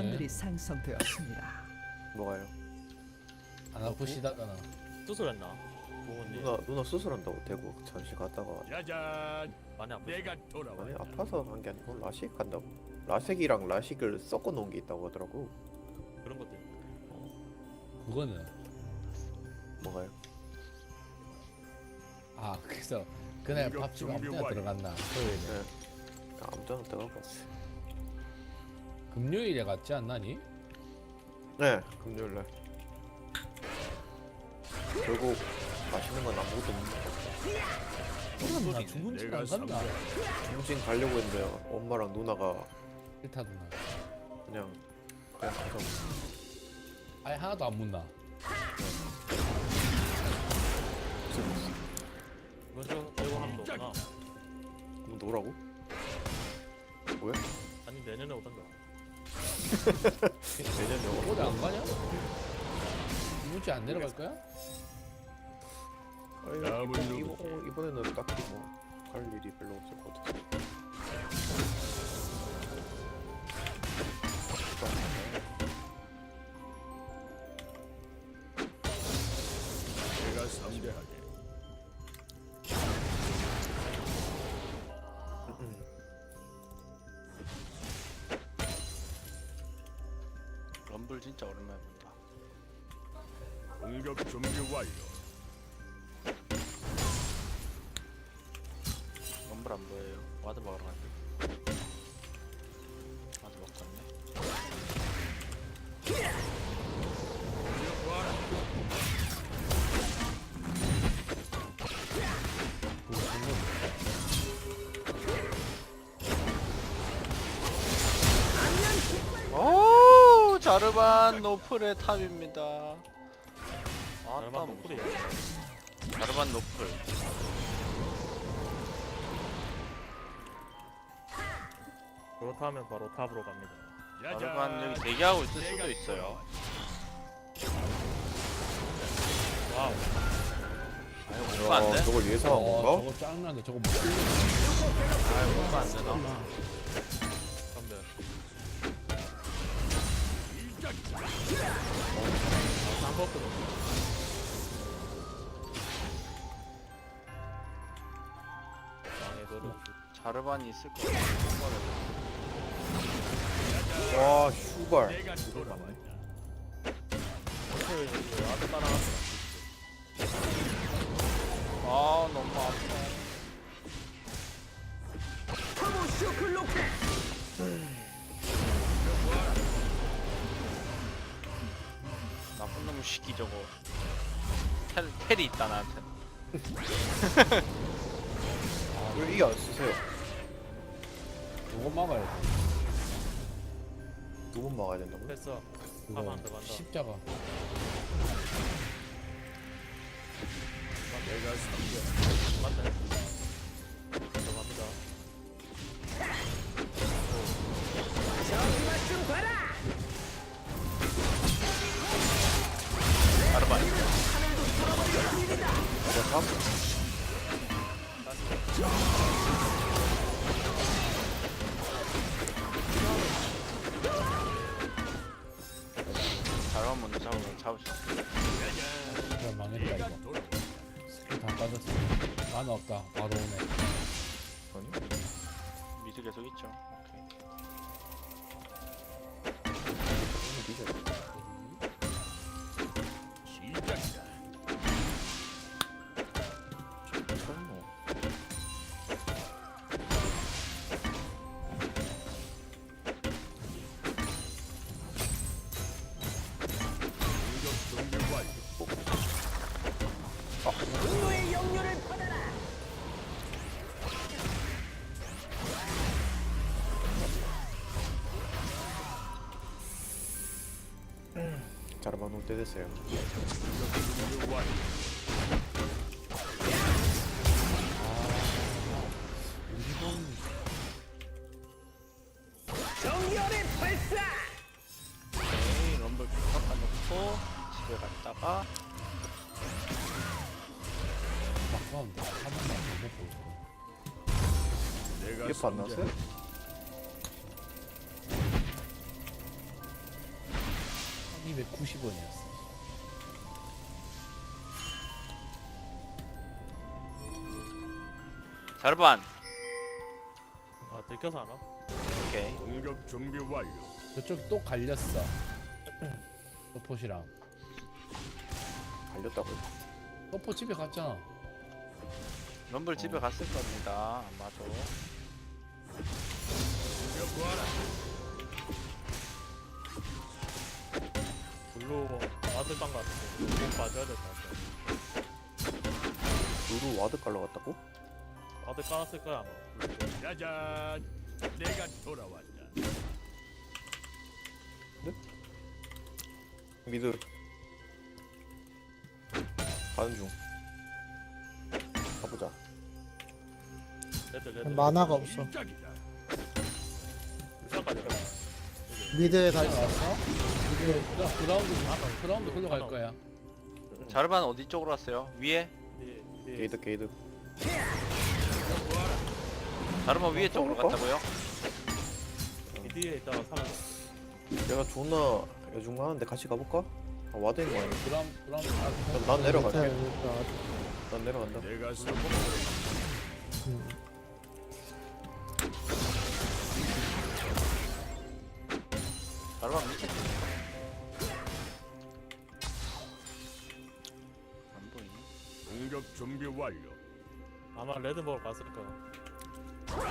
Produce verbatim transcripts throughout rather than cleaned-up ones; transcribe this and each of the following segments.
선들이 상성되었습니다. 뭐가요? 안 아프시다잖아. 수술했나? 부모님. 누나 누나 수술한다고 대구 잠시 갔다가 짜잔, 많이 아프. 내가 돌아와. 아니 아파서 한 게 아니고 라식 한다고. 라섹이랑 라식을 섞어 놓은 게 있다고 하더라고. 그런 것들. 그거는 뭐가요? 아 그래서 그날 이거 밥집 아무 준비 때나 완료. 들어갔나? 토요일에. 네. 아무 때나 들어가고. 금요일에 갔지 않나니? 네, 금요일 날. 결국 맛있는 건 아무것도 없는 거. 나 죽은 내가 집안 간다. 중진 가려고 했는데 엄마랑 누나가 일타 누나. 그냥 그냥 가서 아예 하나도 안 묻나. 먼저 대고 하는 거구나. 뭐 노라고? 왜? 아니 내년에 오던가. 내년에 올해 안 가냐? 이번 주에 안 내려갈 거야? 아니, 다음은 이번, 누구지? 이번, 이번에는 딱히 뭐 갈 일이 별로 없을 것 같아. 내가 상대하게. 럼블 진짜 오랜만에 본다. 공격 준비 완료. 럼블 안 보여요. 와드 먹으러 갔네. 와드 먹고 갔네. 오 자르반 노플의 탑입니다. 아따 얼마 노플이. 자르반 노플. 그렇다면 바로 탑으로 갑니다. 자르반 여기 대기하고 있을 수도 있어요. 와우. 아유 뭔가 안 야, 돼? 저걸 예상한 어, 건가? 저거 짱나는데 저거 못 끌려. 아유 뭔가 안 되나? 선배. 한 버스도. 망해도록. 자르반이 있을 것 같아. 와, 슈발. 내가 돌아왔다. 어떻게 이제 아들 따라가서. 아 너무 아파. 나쁜 놈 시키 저거. 텔 텔이 있다 나한테. 왜 이게 안 쓰세요? 저거 막아야 돼. 두 번 막아야 된다고요? 됐어. 그거 가만 안 들어간다. 십자가. 내가 상대. 맞네. 들어갑니다. 자르반. 내가 탑? 자르반 먼저 잡으면 잡을 수 있어. 그냥 망했다 내가 이거. 돌아왔다. 스킬 다 빠졌어. 만화 없다. 바로 오네. 아니? 미드 계속 있죠. 오케이. 이거 미쳐. 시작이다. 설마. 공격 준비 완료. 자르반 올 때 됐어요. 공격 준비 완료. 우리 돈 오케이 럼블 깎아 놓고 집에 갔다가 막 가운데 한 번만 더 먹고 있어. 내가 이게 안 나왔어요? 이백구십 원이었어. 자르반. 아 들켜서 하나? 오케이. 공격 준비 완료. 저쪽 또 갈렸어. 서폿이랑. 갈렸다고. 서폿 집에 갔잖아. 럼블 집에 갔을 겁니다. 아마도. 블루 아들 빵 같은데 꼭 봐줘야 될 것 같아. 루루 와드 깔러 갔다고? 아들 깔았을 거야 아마. 짜잔, 내가 돌아왔다. 미드. 가는 중. 가보자. 레드 레드. 만화가 없어. 시작이다. 시작까지. 미드에 다 있어. 왔어? 그 그라운드 그라운드 걸로 갈 거야. 자르반 어디 쪽으로 왔어요? 위에? 게이드 게이드. 자르반 위에 쪽으로 그럴까? 갔다고요? 미디에 있다가 사라졌어. 내가 존나 여중하는데 같이 가볼까? 아, 와드 있는 거 아니야? 그라운드 그라운드 난, 난 내려갈게. 그러니까, 난 내려간다. 내가 성공. 음. 자르반 밑에. 안 보이네. 공격 준비 완료. 아마 레드 먹으러 갔을 거야.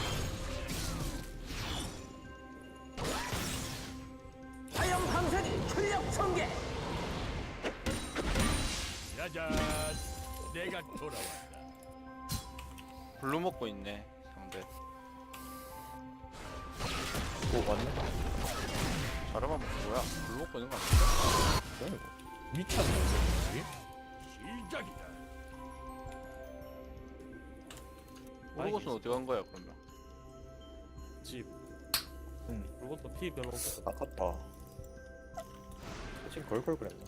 짜잔, 내가 돌아왔다. 블루 먹고 있네. 상대. 오 왔네. 자르반 뭐야? 블루 먹고 있는 거 아니야? 뭐야 이거? 미쳤네. 시작이다. 오르고스는 어디 간 거야 그러면? 집. 응. 그것도 피 별로 없었어. 아깝다. 지금 걸걸 그랬나?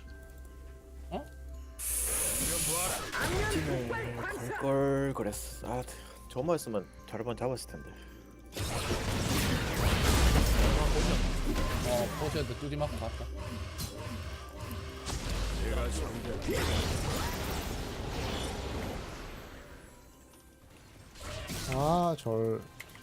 지금 걸걸 그랬어. 아, 저만 했으면 자르반 잡았을 텐데. 어 포셔도 뚜디 맞고 갔다. 내가 성공. 아, 절.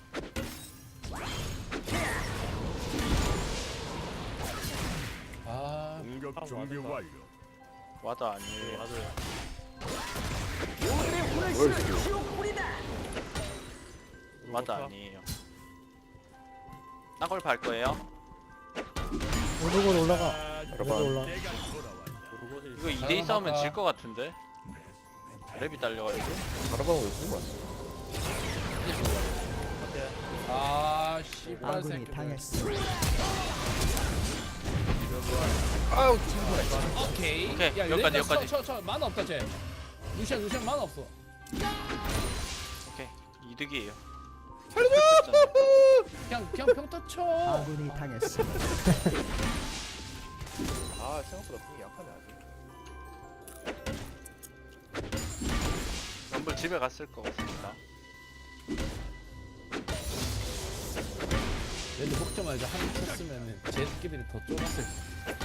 아 공격 준비 맞았다. 완료. 와드 아니에요. 맞아요. 뭘 지금? 와드 아니에요. 딴걸 밟 거예요? 오르골 올라가. 짜잔, 미드 올라. 내가 돌아왔다. 그리고 이거 이 대 이 싸우면 질 것 같은데? 랩이 딸려가지고. 자르반 왜 쓰고 왔어? 아 씨발 아군이 새끼. 당했습니다. 아우 오케이. 오케이, 야, 여기까지, 레이더 여기까지. 쳐, 쳐, 쳐. 만화 없다 쟤. 루시안 루시안 만화 없어. 오케이. 이득이에요. 그냥 그냥 평타 쳐. 아군이 당했습니다. 아 생각보다 궁이 약하네 아직. 럼블 집에 갔을 것 같습니다. 얘들 먹자마자 한입 쳤으면은 쟤들끼리 더 쫄았을 거야.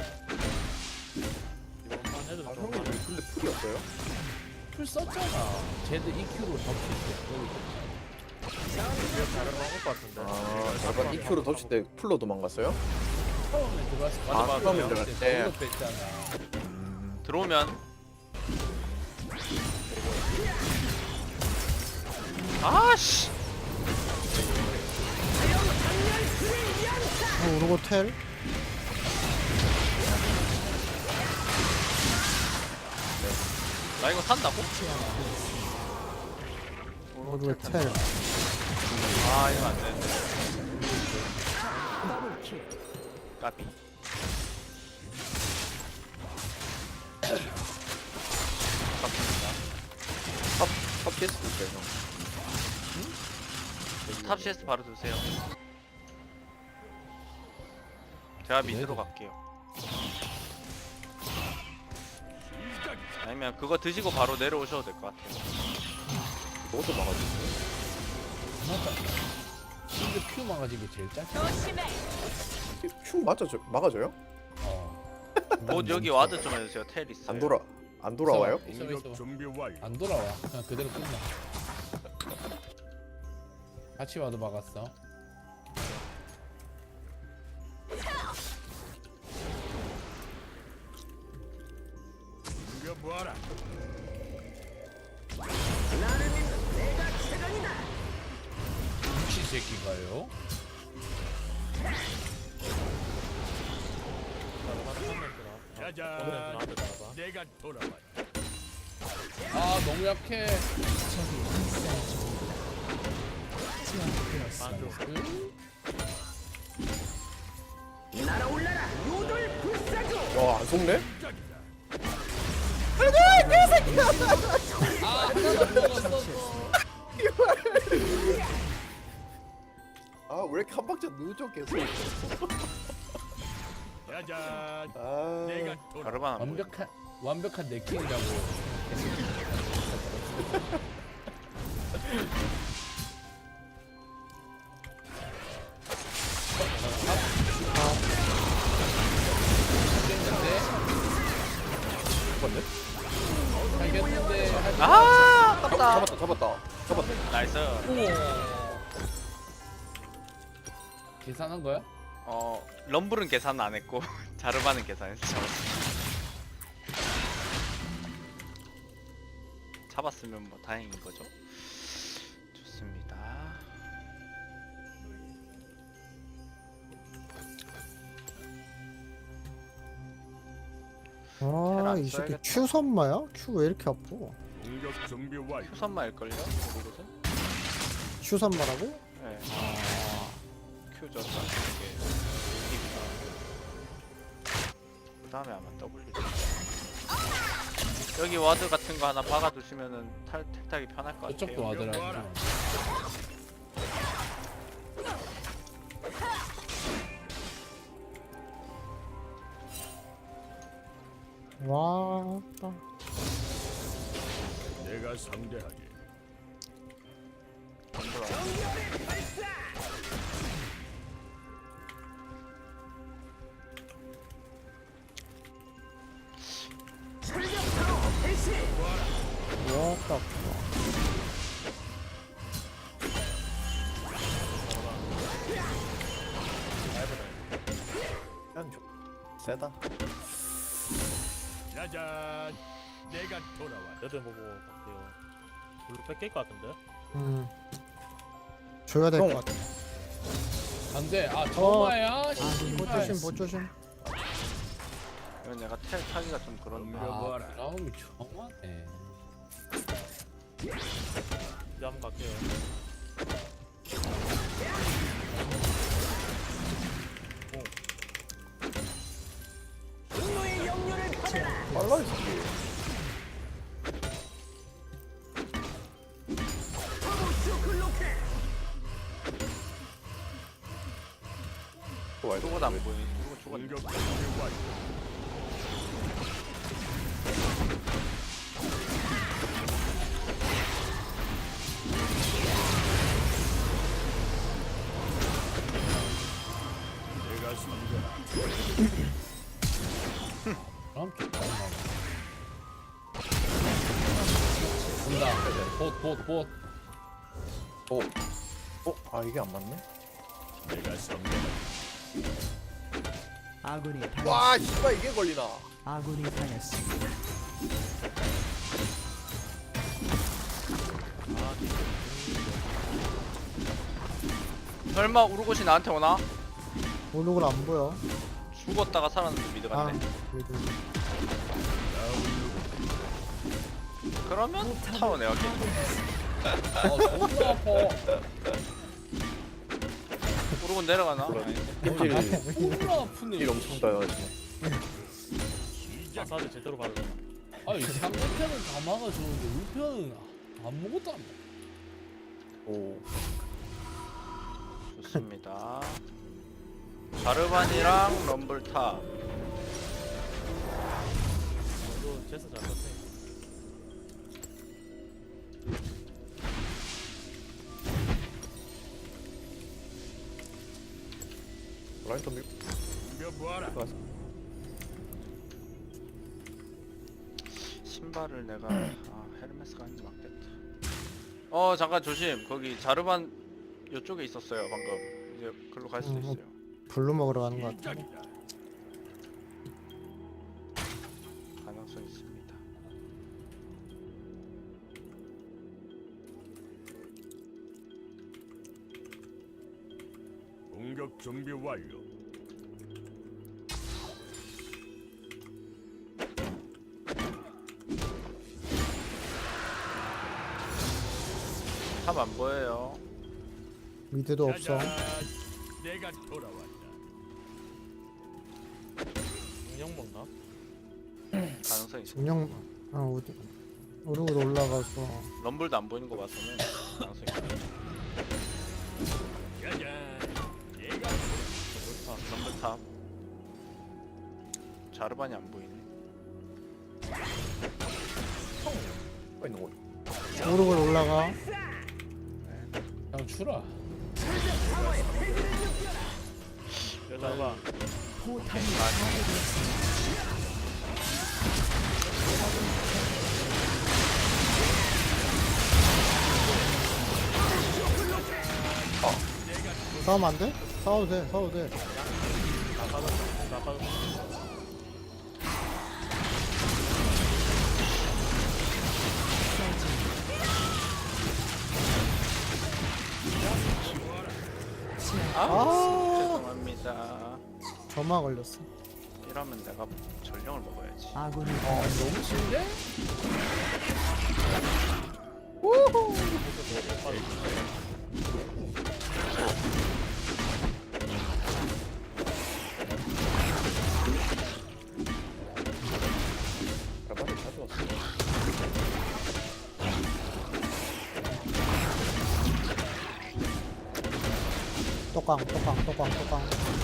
이번 판 애들 아 좀 형님 많이 근데 풀이 없어요? 풀 썼잖아. 쟤들 이큐로 덮칠 다른 방법 같은데. 아 자르반 이 큐로 덮칠 때 풀로 도망갔어요? 때 처음에 들어왔을 때 맞아, 아 맞아. 처음에 들어갈 때. 걸로 뺐잖아. 들어오면 아씨. 어, 오르골 텔. 나 이거 산다고? 오르골 텔. 아 이거 안 되는데. 더블킬. 까비. 깝습니다. 탑, 탑 피에스도 있어요 형. 탑 시에스 바로 드세요. 제가 미드로 갈게요. 아니면 그거 드시고 바로 내려오셔도 될 것 같아요. 그것도 막아주세요. 맞다. 근데 큐 막아지기 제일 짧아. 큐 맞아줘, 막아줘요? 어. 곧 여기 와드 좀 해주세요. 텔 있어요. 안 돌아 안 돌아와요? 있어 있어. 공격 준비 완료. 안 돌아와. 그냥 그대로 끝나. 같이 와도 막았어. 이거 뭐하라? 미친 새끼가요. 짜잔. 오늘은 나한테 따라봐. 내가 돌아왔다. 아 너무 약해. 적이 학살 중입니다. 안쪽. 제압되었습니다. 응? 야안 속네? 시작이다. 아 하나도 먹었어. 아 왜 이렇게 한 박자 늦어 계속 짜잔. 아 내가 돌아. 가르반 안 보여. 완벽한 완벽한 네킹이라고. 잡았네? 알겠는데. 하지 마. 아 아깝다. 잡았다 잡았다 잡았다 나이스. 계산한 거야? 어 럼블은 계산 안 했고 자르바는 계산했어. 잡았으면 뭐 다행인 거죠. 좋습니다. 아, 이 새끼 써야겠다. 큐 선마야? 큐 왜 이렇게 아파? 공격 준비 완료. 휴선마일걸요? 모르거든? 큐 선마라고? 네. 아 큐죠. 이게 그 다음에 아마 W. 여기 와드 같은 거 하나 박아두시면은 탈 택탁이 편할 것 같아요. 저쪽도 와더라. 와, 딱. 내가 상대하지. 안 돌아와. 와, 딱. 그냥 좀 세다 짜잔. 내가 돌아왔다. 여덟 보고 갈게요. 블루 뺏길 것 같은데? 음. 줘야 될 형. 것 같아. 안돼. 아 정마야. 보 조심, 보 조심. 이건 내가 텔 타기가 좀 그런데. 아 그라움이 정하네. 이제 한번 갈게요. 빨라 이 새끼 좋아요 죽어도 안 보이니? 누구 죽었네. 공격 준비 완료. 내가 상대하지. 그럼 개빠르네. 온다. 봇봇 봇. 어? 어? 아 이게 안 맞네? 내가 상대하지. 아군이 당 와 씨발 이게 걸리나 아군이 당했습니다. 설마 우르고시 나한테 오나? 오는 걸 안 보여. 죽었다가 살았는데 미드 아, 갔네. 그래도. 그러면 타워 내가 깨. 어 존나 아파. 우르곤 내려가나? 그럼. 아닌데. 힐, 존나 아프네. 힐 엄청 따요 마사지 제대로 받을 거야. 아니 상대편은 다 막아주는데 우리 편은 아무것도 안 막아. 오 좋습니다. 자르반이랑 럼블탑. 너 제스 잘 썼으니까. 라인 덤비 이거 뭐하라? 들어갔어 신발을 내가 아 헤르메스가 아닌 게 맞겠다. 어 잠깐 조심. 거기 자르반 요쪽에 있었어요 방금. 이제 글로 갈 수도 음, 있어요. 블루 먹으러 가는 것 같아. 가능성 있습니다. 공격 준비 완료. 탑 안 보여요. 미드도 없어. 짜잔, 내가 돌아왔다. 인형 먹나? 가능성 있어. 중령 아 어디 오르고 올라가서 럼블도 안 보이는 거 봐서는 가능성 있어. 짜잔, 내가 아, 럼블 탑. 자르반이 안 보이네. 어 있는 거. 오르고 올라가. 그냥 추라. 여자가 포탑이 파괴되었습니다. 싸우면 안 돼? 싸워도 돼. 싸워도 돼. 나가서 나가서 아, 아 죄송합니다. 점화 걸렸어. 이러면 내가 전령을 먹어야지. 아군이 너무 치는데? 빨리 가져왔어. 똑강 똑강 똑강 똑강.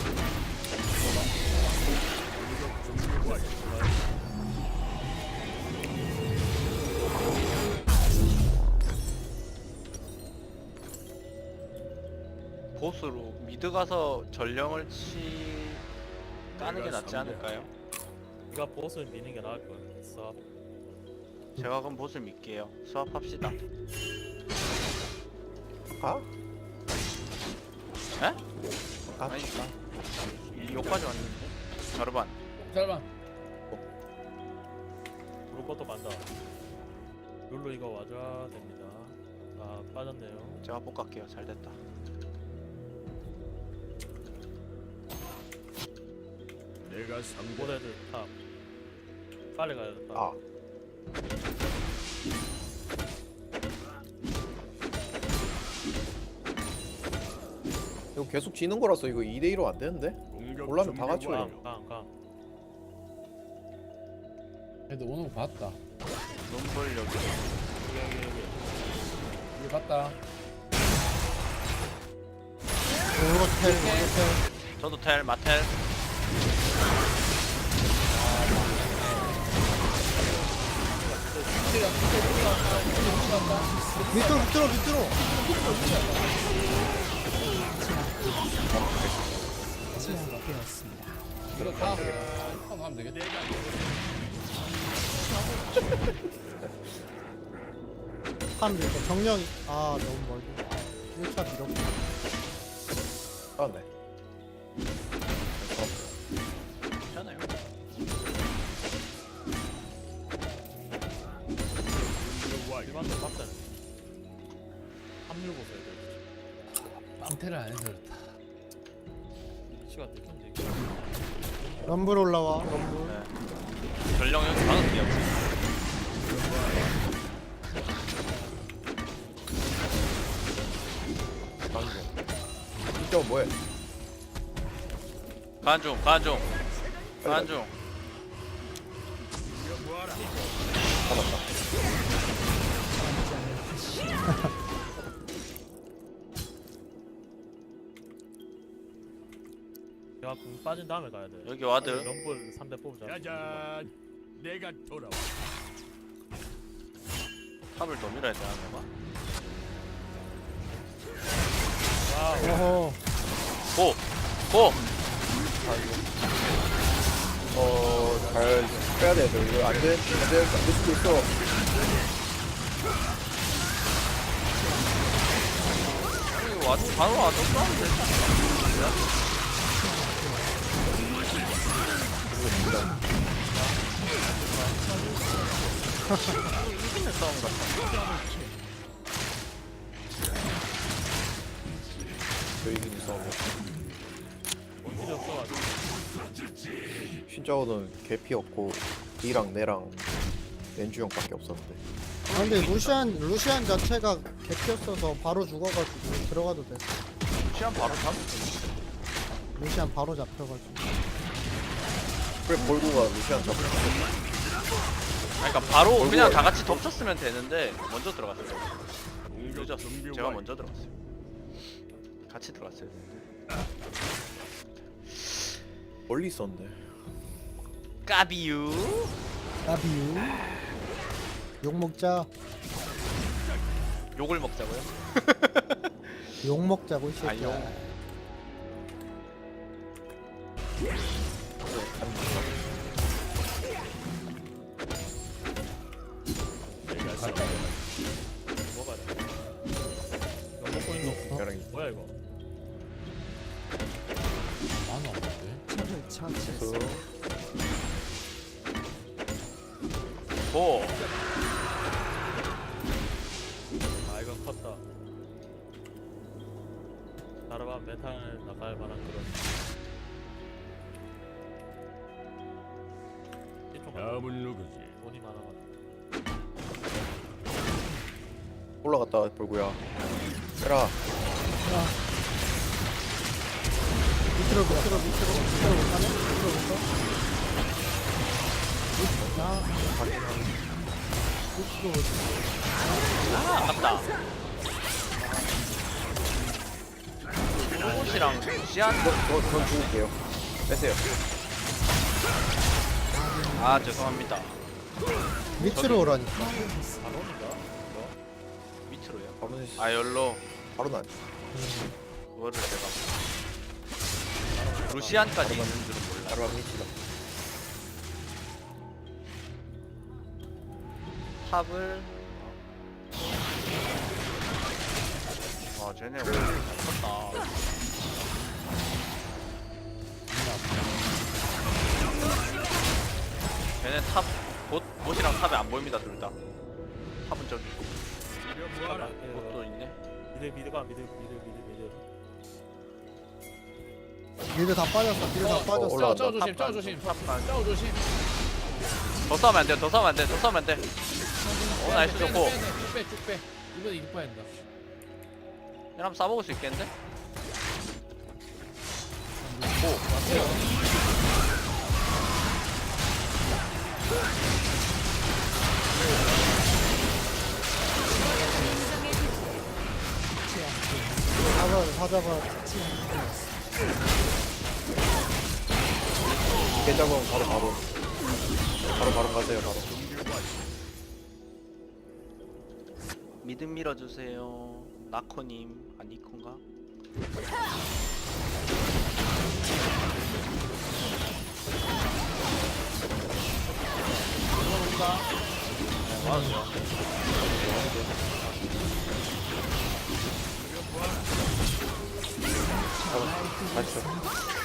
보스로 미드 가서 전령을 치 까는 게 낫지 않을까요? 네가 보스를 미는 게 나을 거야. 써. 제가 그럼 보스를 믿게요. 수업합시다. 가? 에? 가? 아니니까. 여기까지 왔는데. 자르반. 잘봐. 부를 것도 간다. 룰루 이거 와줘야 됩니다. 아 빠졌네요. 제가 복 갈게요. 잘 됐다. 내가 상대. 고래들 탑. 빨리 가야 돼. 탑. 아. 이거 계속 지는 거라서 이거 이 대 이로 안 되는데? 공격 올라면 다 준비 같이 완료. 올려. 강, 강, 강. 애들 오는 거 봤다. 럼블 여기. 여기, 여기, 여기. 이거 봤다. 오르고 텔 오르고 텔. 저도 텔, 마텔. 밑으로 밑으로 밑으로. 제압되었습니다. 이거 다 한번 하면 되겠다. 한 밀고 정령이 아 너무 멀고. 일 차 밀었고. 아 네. 괜찮아요. 준비 완료. 일반도 빡세. 합류 보세요. 이거. 빵테를 안 해서 그렇다. 위치가 되겠네. 럼블 올라와. 럼블. 네. 전령 여기 막을게요. 방금. 이쪽 뭐해? 간중, 간중. 간중. 잡았다. 내가 공 빠진 다음에 가야 돼. 여기 와드. 럼블 삼 대 뽑자. 짜잔, 내가 돌아왔다. 탑을 더 밀어야 되나 내가? 와우. 오호. 고! 고! 어 잘 빼야 돼. 너 이거 안 돼? 안 돼? 안 될 수도 있어. 이거 와, 바로 와서 싸우면 되지. 이기는 싸움 같아. 저 이기는 싸움. 원딜이 없어가지고. 신짜오는 개피였고 D랑 내랑 렌주 형밖에 없었는데. 아 근데 루시안 루시안 자체가 개피였어서 바로 죽어가지고 들어가도 돼. 시간 바로 잡. 루시안 바로 잡혀가지고. 그래 볼고가 루시안 잡고 아니, 그러니까 바로 그냥 다 같이 덮쳤으면 되는데 먼저 들어갔어요. 공격 늦었어. 준비 제가 완료. 먼저 들어갔어요. 같이 들어갔어요. 멀리 있었는데. 까비유. 나비유. 욕 먹자. 욕을 먹자고요? 욕 먹자고 이 아, 새끼야. 욕. 뭐가 돼? 이거 먹고 있는 걔랑 거 뭐야 이거? 많아 없는데. 적을 처치했습니다. 고. 아 이건 컸다. 자르반 메탈 나갈 만한 그런. 이쪽 다음은 누구지? 돈이 많아가지고. 올라갔다 볼고야. 빼라. 밑으로 밑으로 밑으로 밑으로 못 가네? 밑으로 못 가? 나 밑으로 못 가. 아, 아깝다. 로봇이랑 시안. 저, 전 죽을게요. 빼세요. 아, 죄송합니다. 밑으로 오라니까. 바론인가? 이거? 밑으로요. 바로는 아, 열로. 바로는 안. 그거를 제가 루시안까지 있는 줄은 몰라. 바로 안 미치다. 탑을. 와, 쟤네 오늘 잘 컸다. 쟤네 탑, 봇, 봇이랑 탑에 안 보입니다, 둘 다. 탑은 저기 있고, 뭐하라? 봇도 있네. 미드 미드가 미드 미드 미드 미드. 미드 다 빠졌어. 미드 다 어, 빠졌어. 올라간다. 짜오 조심, 짜오 탑 조심, 탑 반. 짜오 조심. 더 싸우면 안 돼, 더 싸우면 안 돼, 더 싸우면 안 돼. 오, 나이스 좋고. 쭉 빼, 쭉 빼. 이번 이길 뻔했다. 이러면 한번 싸먹을 수 있겠는데? 잡아 다 잡아. 깨 잡으면 바로 바로. 바로 바로 가세요 바로. 미드 밀어주세요. 나코님, 아 니콘가? 네, 맞았죠. 맞죠.